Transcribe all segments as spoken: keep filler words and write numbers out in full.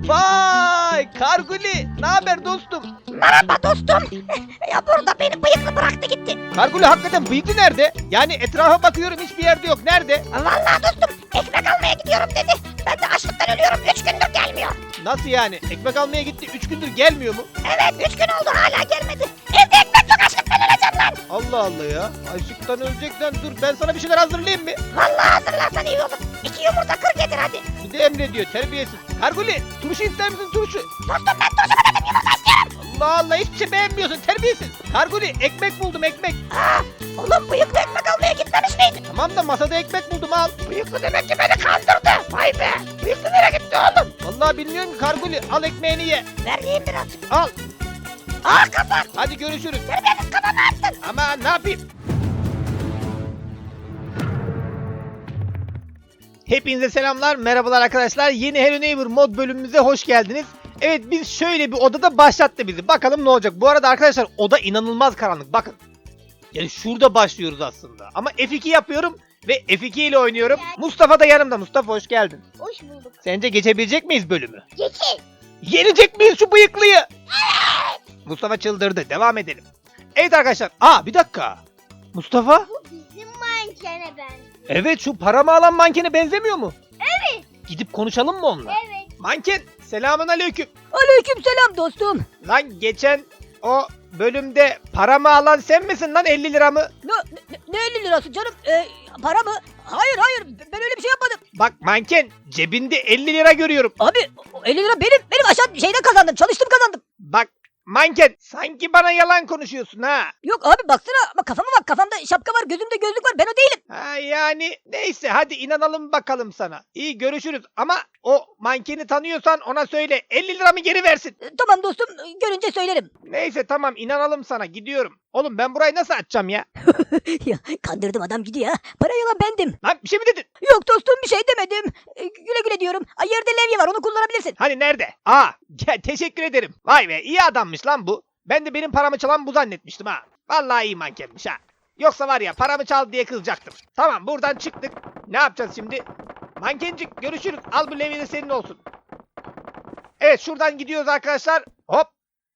Vay Karguli, ne haber dostum? Merhaba dostum. Ya burada beni bıyıklı bıraktı gitti. Karguli hakikaten bıyıklı nerede? Yani etrafa bakıyorum hiçbir yerde yok. Nerede? Vallahi dostum ekmek almaya gidiyorum dedi. Ben de açlıktan ölüyorum. Üç gündür gelmiyor. Nasıl yani? Ekmek almaya gitti. Üç gündür gelmiyor mu? Evet üç gün oldu hala gelmedi. Evde ekmek yok açlıktan öleceğim lan. Allah Allah ya. Açlıktan öleceksen dur ben sana bir şeyler hazırlayayım mı? Vallahi hazırlarsan iyi olur. İki yumurta kır getir hadi. Bir de emrediyor terbiyesiz. Karguli turşu ister misin turşu? Dostum ben turşu mu dedim yumurta istiyorum. Allah Allah hiçbir şey beğenmiyorsun terbiyesiz. Karguli ekmek buldum ekmek. Aa, oğlum bıyıklı ekmek almaya gitmemiş miydin? Tamam da masada ekmek buldum al. Bıyıklı demek ki beni kandırdı. Vay be. Bıyıklı nereye gitti oğlum? Vallahi bilmiyorum ki Karguli al ekmeğini ye. Ver yiyeyim birazcık. Al. Aa kapat. Hadi görüşürüz. Terbiyesiz kafamı attın. Ama ne yapayım? Hepinize selamlar, merhabalar arkadaşlar. Yeni Hello Neighbor mod bölümümüze hoş geldiniz. Evet biz şöyle bir odada başlattı bizi. Bakalım ne olacak. Bu arada arkadaşlar oda inanılmaz karanlık. Bakın. Yani şurada başlıyoruz aslında. Ama F iki yapıyorum ve F iki ile oynuyorum. Mustafa da yanımda. Mustafa hoş geldin. Hoş bulduk. Sence geçebilecek miyiz bölümü? Geçin. Yenecek miyiz şu bıyıklıyı? Evet. Mustafa çıldırdı. Devam edelim. Evet arkadaşlar. Aa bir dakika. Mustafa? Bu bizim mankene ben. Evet şu paramı alan mankene benzemiyor mu? Evet. Gidip konuşalım mı onunla? Evet. Manken selamun aleyküm. Aleyküm selam dostum. Lan geçen o bölümde paramı alan sen misin lan elli liramı? Ne, ne, ne elli lirası canım? Ee, para mı? Hayır hayır ben öyle bir şey yapmadım. Bak manken cebinde elli lira görüyorum. Abi o elli lira benim. Benim aşağı şeyden kazandım. Çalıştım kazandım. Bak manken sanki bana yalan konuşuyorsun ha. Yok abi baksana ama kafama bak. Kafamda şapka var gözümde gözlük var. Ben o değilim. Ha yani neyse hadi inanalım bakalım sana. İyi görüşürüz ama o mankeni tanıyorsan ona söyle elli liramı geri versin. Ee, tamam dostum görünce söylerim. Neyse tamam inanalım sana gidiyorum. Oğlum ben burayı nasıl açacağım ya? Ya kandırdım adam gidiyor ha. Para yalan bendim. Lan bir şey mi dedin? Yok dostum bir şey demedim. Ee, güle güle diyorum. Ay, yerde levye var onu kullanabilirsin. Hani nerede? Aa gel teşekkür ederim. Vay be iyi adammış lan bu. Ben de benim paramı çalan bu zannetmiştim ha. Vallahi iyi mankenmiş ha. Yoksa var ya paramı çal diye kızacaktım. Tamam buradan çıktık. Ne yapacağız şimdi? Mankencik görüşürüz. Al bu levye de senin olsun. Evet şuradan gidiyoruz arkadaşlar. Hop.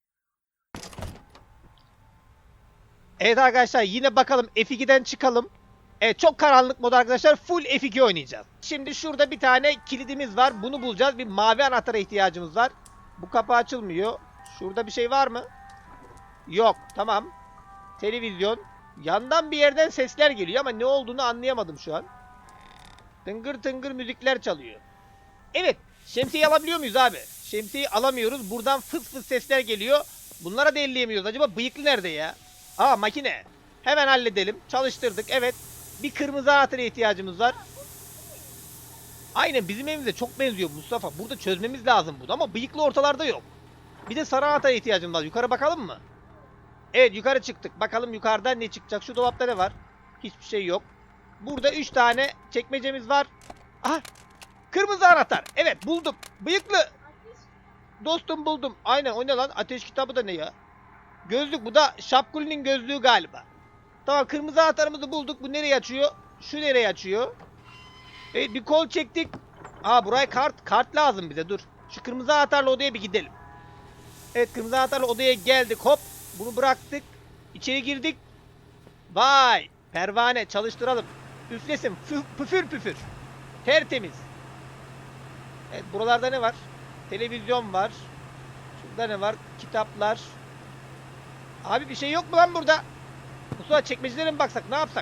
Evet arkadaşlar yine bakalım F iki'den çıkalım. Evet çok karanlık mod arkadaşlar. Full F iki oynayacağız. Şimdi şurada bir tane kilidimiz var. Bunu bulacağız. Bir mavi anahtara ihtiyacımız var. Bu kapı açılmıyor. Şurada bir şey var mı? Yok. Tamam. Televizyon. Yandan bir yerden sesler geliyor ama ne olduğunu anlayamadım şu an. Tıngır tıngır müzikler çalıyor. Evet. Şemsiyeyi alabiliyor muyuz abi? Şemsiyeyi alamıyoruz. Buradan fıs fıs sesler geliyor. Bunlara da elleyemiyoruz. Acaba bıyıklı nerede ya? Aa makine. Hemen halledelim. Çalıştırdık. Evet. Bir kırmızı anahtara ihtiyacımız var. Aynen bizim evimize çok benziyor Mustafa. Burada çözmemiz lazım bunu ama bıyıklı ortalarda yok. Bir de sarı anahtara ihtiyacımız var. Yukarı bakalım mı? Evet yukarı çıktık. Bakalım yukarıda ne çıkacak. Şu dolapta ne var? Hiçbir şey yok. Burada üç tane çekmecemiz var. Aha. Kırmızı anahtar. Evet buldum. Bıyıklı. Dostum buldum. Aynen o ne lan? Ateş kitabı da ne ya? Gözlük bu da Şapkuli'nin gözlüğü galiba. Tamam kırmızı anahtarımızı bulduk. Bu nereye açıyor? Şu nereye açıyor? Evet bir kol çektik. Aa buraya kart. Kart lazım bize dur. Şu kırmızı anahtarla odaya bir gidelim. Evet kırmızı anahtarla odaya geldik. Hop. Bunu bıraktık. İçeri girdik. Vay. Pervane çalıştıralım. Üflesin. Püf, püfür püfür. Tertemiz. Evet buralarda ne var? Televizyon var. Şurada ne var? Kitaplar. Abi bir şey yok mu lan burada? Mustafa çekmecelere mi baksak? Ne yapsak?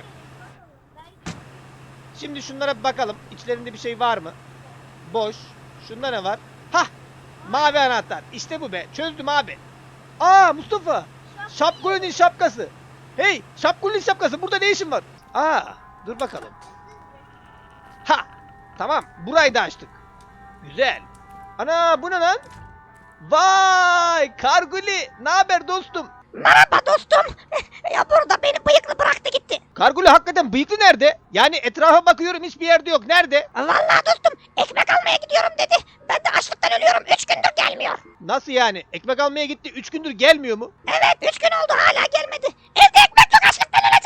Şimdi şunlara bir bakalım. İçlerinde bir şey var mı? Boş. Şunda ne var? Hah! Mavi anahtar. İşte bu be. Çözdüm abi. Aa Mustafa! Şapkuli'nin şapkası. Hey! Şapkuli'nin şapkası. Burada ne işin var? Aa! Dur bakalım. Ha! Tamam. Burayı da açtık. Güzel. Ana bu ne lan? Vay! Karguli! Ne haber dostum? Merhaba dostum. Ya burada beni bıyıklı bıraktı gitti. Karguli hakikaten bıyıklı nerede? Yani etrafa bakıyorum hiçbir yerde yok. Nerede? Vallahi dostum ekmek almaya gidiyorum dedi. Ben de açlıktan ölüyorum. Üç gündür gelmiyor. Nasıl yani? Ekmek almaya gitti. Üç gündür gelmiyor mu? Evet üç gün oldu hala gelmedi. Evde ekmek yok açlıktan öleceğim lan.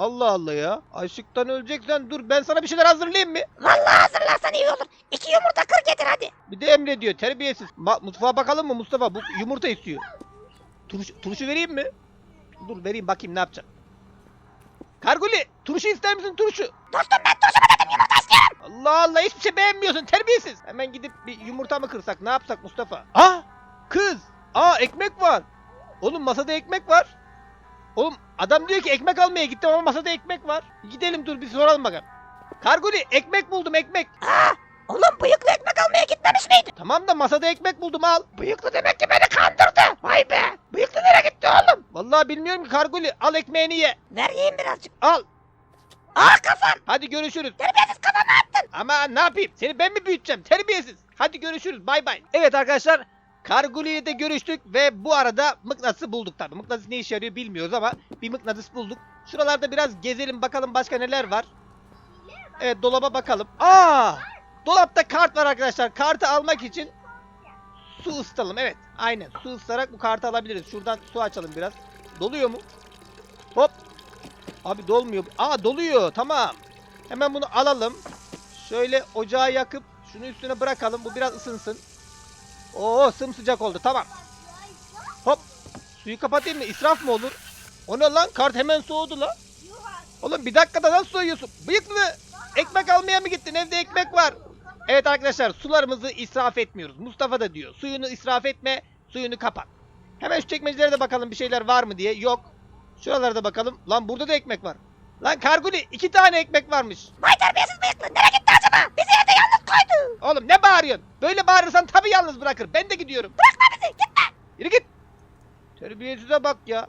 Allah Allah ya. Açlıktan öleceksen dur ben sana bir şeyler hazırlayayım mı? Vallahi hazırlarsan iyi olur. İki yumurta kır getir hadi. Bir de emrediyor terbiyesiz. Ma- mutfağa bakalım mı Mustafa? Bu yumurta istiyor. Turşu, turşu vereyim mi? Dur vereyim bakayım ne yapacak. Karguli turşu ister misin turşu? Dostum ben turşu mu dedim yumurta istiyorum. Allah Allah hiçbir şey beğenmiyorsun terbiyesiz. Hemen gidip bir yumurta mı kırsak ne yapsak Mustafa? Ah kız. Aa ekmek var. Oğlum masada ekmek var. Oğlum adam diyor ki ekmek almaya gittim ama masada ekmek var. Gidelim dur bir soralım bakalım. Karguli ekmek buldum ekmek. Aa, oğlum bıyıklı ekmek almaya gitmemiş miydin? Tamam da masada ekmek buldum al. Bıyıklı demek ki beni kandırdı. Vay be. Bıyıklı nereye gitti oğlum? Vallahi bilmiyorum ki Karguli al ekmeğini ye. Ver yiyeyim birazcık. Al. Aa kafam. Hadi görüşürüz. Terbiyesiz kafama attın. Ama ne yapayım? Seni ben mi büyüteceğim? Terbiyesiz. Hadi görüşürüz. Bay bay. Evet arkadaşlar. Karguli ile de görüştük ve bu arada mıknatısı bulduk tabii. Mıknatıs ne işe yarıyor bilmiyoruz ama bir mıknatıs bulduk. Şuralarda biraz gezelim bakalım başka neler var. Evet dolaba bakalım. Aa! Dolapta kart var arkadaşlar. Kartı almak için su ısıtalım. Evet aynen su ısıtarak bu kartı alabiliriz. Şuradan su açalım biraz. Doluyor mu? Hop. Abi dolmuyor. Aa doluyor. Tamam. Hemen bunu alalım. Şöyle ocağı yakıp şunu üstüne bırakalım. Bu biraz ısınsın. Oo sımsıcak oldu. Tamam. Hop. Suyu kapatayım mı? İsraf mı olur? O ne lan? Kart hemen soğudu lan. Oğlum bir dakikada nasıl soğuyorsun? Bıyıklı. Ekmek almaya mı gittin? Evde ekmek var. Evet arkadaşlar sularımızı israf etmiyoruz. Mustafa da diyor. Suyunu israf etme. Suyunu kapat. Hemen şu çekmecelere de bakalım bir şeyler var mı diye. Yok. Şuralarda bakalım. Lan burada da ekmek var. Lan Karguli iki tane ekmek varmış. Vay terbiyesiz bıyıklı. Nereye gitti acaba? Bizi evde yalnız koydu. Oğlum ne bağırıyorsun? Böyle bağırırsan tabii yalnız bırakır. Ben de gidiyorum. Bırakma bizi. Gitme. Yürü git. Terbiyesize bak ya.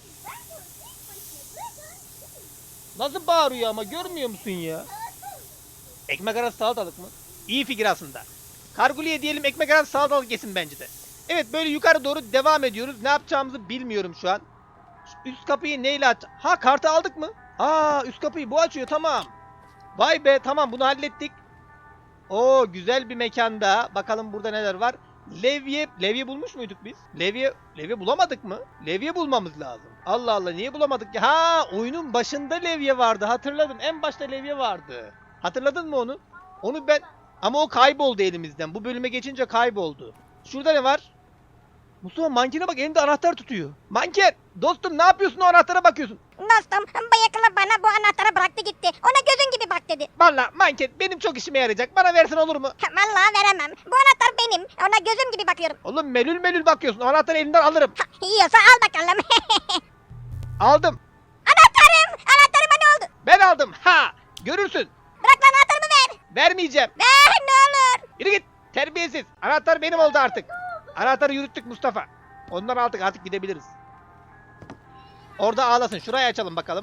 Nasıl bağırıyor ama görmüyor musun ya? Ekmek arası salatalık mı? İyi fikir aslında. Karguli'ye diyelim ekmek arası salatalık yesin bence de. Evet böyle yukarı doğru devam ediyoruz. Ne yapacağımızı bilmiyorum şu an. Şu üst kapıyı neyle aç? Ha kartı aldık mı? Aa üst kapıyı bu açıyor tamam. Vay be tamam bunu hallettik. Oo güzel bir mekanda. Bakalım burada neler var. Levye, levye bulmuş muyduk biz? Levye, levye bulamadık mı? Levye bulmamız lazım. Allah Allah niye bulamadık ya? Ha oyunun başında levye vardı hatırladım. En başta levye vardı. Hatırladın mı onu? Onu ben... Ama o kayboldu elimizden. Bu bölüme geçince kayboldu. Şurada ne var? Mustafa mankene bak elinde anahtar tutuyor. Manken! Dostum ne yapıyorsun o anahtara bakıyorsun? Dostum bıyıklı bana bu anahtarı bıraktı gitti. Ona gözün gibi bak dedi. Valla manken benim çok işime yarayacak. Bana versen olur mu? Vallahi veremem. Bu anahtar benim. Ona gözüm gibi bakıyorum. Oğlum melül melül bakıyorsun. O anahtarı elinden alırım. Ha, yiyorsa al bakalım. Aldım. Anahtarım. Anahtarıma ne oldu? Ben aldım. Ha! Görürsün. Bırak lan anahtarımı ver. Vermeyeceğim. Ver ne olur. Yürü git. Terbiyesiz. Anahtar benim oldu artık. Anahtarı yürüttük Mustafa. Ondan aldık artık gidebiliriz. Orada ağlasın. Şurayı açalım bakalım.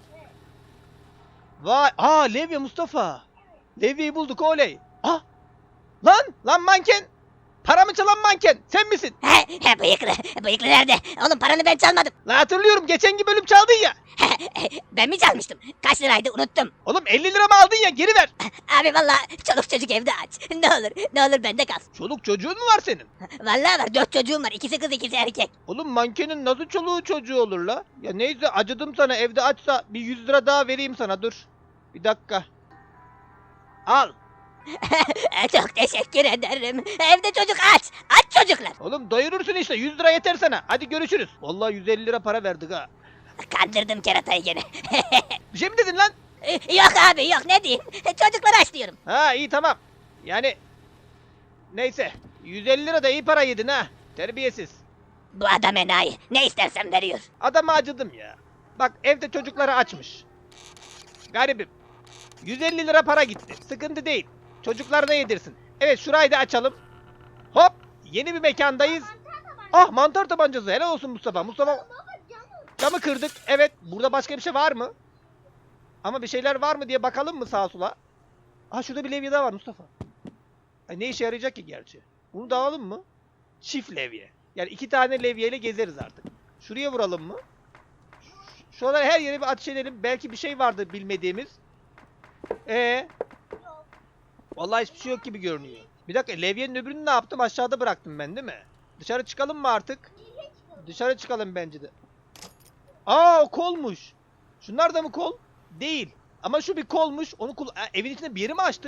Vay. Aa Levye Mustafa. Levye'yi bulduk oley. Ah. Lan. Lan manken. Paramı çalan manken. Sen misin? He, he, bıyıklı. Bıyıklı nerede? Oğlum paranı ben çalmadım. Lan hatırlıyorum. Geçenki bölüm çaldın ya. Ben mi çalmıştım? Kaç liraydı unuttum. Oğlum elli lira mı aldın ya? Geri ver. Abi vallahi çoluk çocuk evde aç. Ne olur ne olur bende kalsın. Çoluk çocuğun mu var senin? Vallahi var dört çocuğum var. İkisi kız ikisi erkek. Oğlum mankenin nasıl çoluğu çocuğu olur la? Ya neyse acıdım sana evde açsa bir yüz lira daha vereyim sana dur. Bir dakika. Al. Çok teşekkür ederim. Evde çocuk aç. Aç çocuklar. Oğlum doyurursun işte yüz lira yeter sana. Hadi görüşürüz. Vallahi yüz elli lira para verdik ha. Kandırdım keratayı gene. Bir şey mi dedin lan? Yok abi yok ne diyeyim. Çocuklar aç diyorum. Ha iyi tamam. Yani neyse yüz elli lira da iyi para yedin ha. Terbiyesiz. Bu adam enayi. Ne istersen veriyor. Adama acıdım ya. Bak evde çocukları açmış. Garibim. yüz elli lira para gitti. Sıkıntı değil. Çocuklarına yedirsin. Evet şurayı da açalım. Hop. Yeni bir mekandayız. Ah mantar tabancası. Helal olsun Mustafa. Mustafa. Camı kırdık. Evet. Burada başka bir şey var mı? Ama bir şeyler var mı diye bakalım mı sağa sola? Ah şurada bir levye daha var Mustafa. Ay, ne işe yarayacak ki gerçi? Bunu da alalım mı? Çift levye. Yani iki tane levyeyle gezeriz artık. Şuraya vuralım mı? Şuralara her yere bir ateş edelim. Belki bir şey vardır bilmediğimiz. Ee? Vallahi hiçbir şey yok gibi görünüyor. Bir dakika levyenin öbürünü ne yaptım? Aşağıda bıraktım ben değil mi? Dışarı çıkalım mı artık? Dışarı çıkalım bence de. Aa o kolmuş. Şunlar da mı kol? Değil. Ama şu bir kolmuş. Onu kul e, evin içinde bir yeri mi açtık?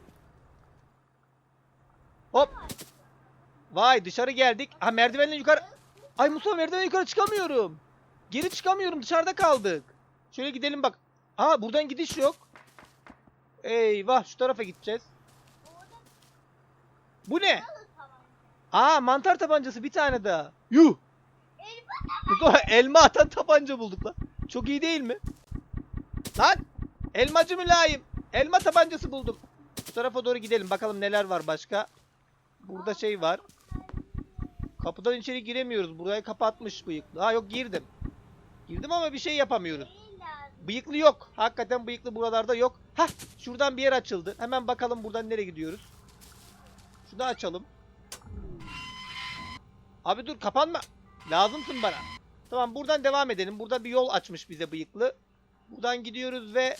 Hop. Vay dışarı geldik. Ha merdivenle yukarı. Ay Mustafa merdivenden yukarı çıkamıyorum. Geri çıkamıyorum. Dışarıda kaldık. Şöyle gidelim bak. Aa buradan gidiş yok. Eyvah şu tarafa gideceğiz. Bu ne? Aa mantar tabancası bir tane daha. Yuh. Mustafa elma atan tabanca bulduk lan. Çok iyi değil mi? Lan elmacı mülayim. Elma tabancası buldum. Şu tarafa doğru gidelim. Bakalım neler var başka. Burada şey var. Kapıdan içeri giremiyoruz. Burayı kapatmış bıyıklı. Ha yok girdim. Girdim ama bir şey yapamıyoruz. Bıyıklı yok. Hakikaten bıyıklı buralarda yok. Hah şuradan bir yer açıldı. Hemen bakalım buradan nereye gidiyoruz. Şunu açalım. Abi dur kapanma. Lazımsın bana. Tamam buradan devam edelim. Burada bir yol açmış bize bıyıklı. Buradan gidiyoruz ve...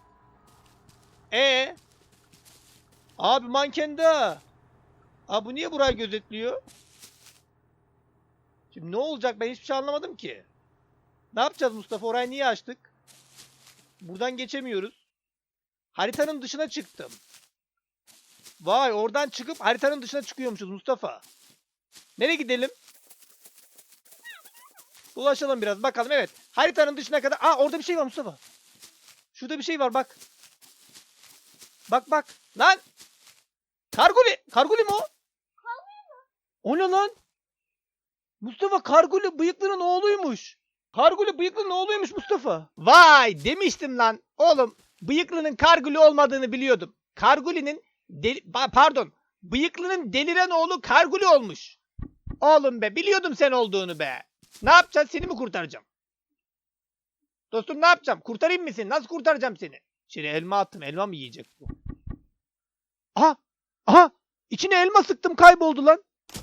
E Abi manken de. Abi bu niye burayı gözetliyor? Şimdi ne olacak ben hiçbir şey anlamadım ki. Ne yapacağız Mustafa? Orayı niye açtık? Buradan geçemiyoruz. Haritanın dışına çıktım. Vay oradan çıkıp haritanın dışına çıkıyormuşuz Mustafa. Nereye gidelim? Dolaşalım biraz bakalım evet. Haritanın dışına kadar. Aa orada bir şey var Mustafa. Şurada bir şey var bak. Bak bak. Lan. Karguli. Karguli mi o? O ne lan? Mustafa Karguli bıyıklının oğluymuş. Karguli bıyıklının oğluymuş Mustafa. Vay demiştim lan. Oğlum bıyıklının Karguli olmadığını biliyordum. Karguli'nin deli... pardon. Bıyıklının deliren oğlu Karguli olmuş. Oğlum be biliyordum sen olduğunu be. Ne yapacağız seni mi kurtaracağım? Dostum ne yapacağım? Kurtarayım mı seni? Nasıl kurtaracağım seni? İçine elma attım. Elma mı yiyecek bu? Aha! Aha! İçine elma sıktım kayboldu lan.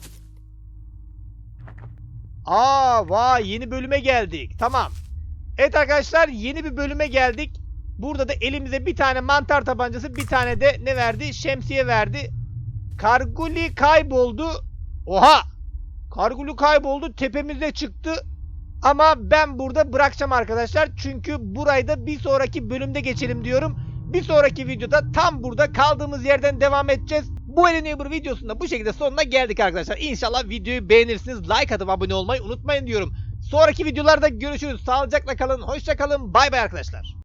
Aa vay yeni bölüme geldik. Tamam. Evet arkadaşlar yeni bir bölüme geldik. Burada da elimize bir tane mantar tabancası bir tane de ne verdi? Şemsiye verdi. Karguli kayboldu. Oha! Karguli kayboldu. Tepemize çıktı. Ama ben burada bırakacağım arkadaşlar. Çünkü burayı da bir sonraki bölümde geçelim diyorum. Bir sonraki videoda tam burada kaldığımız yerden devam edeceğiz. Bu Hello Neighbor videosunda bu şekilde sonuna geldik arkadaşlar. İnşallah videoyu beğenirsiniz. Like atıp abone olmayı unutmayın diyorum. Sonraki videolarda görüşürüz. Sağlıcakla kalın. Hoşça kalın. Bay bay arkadaşlar.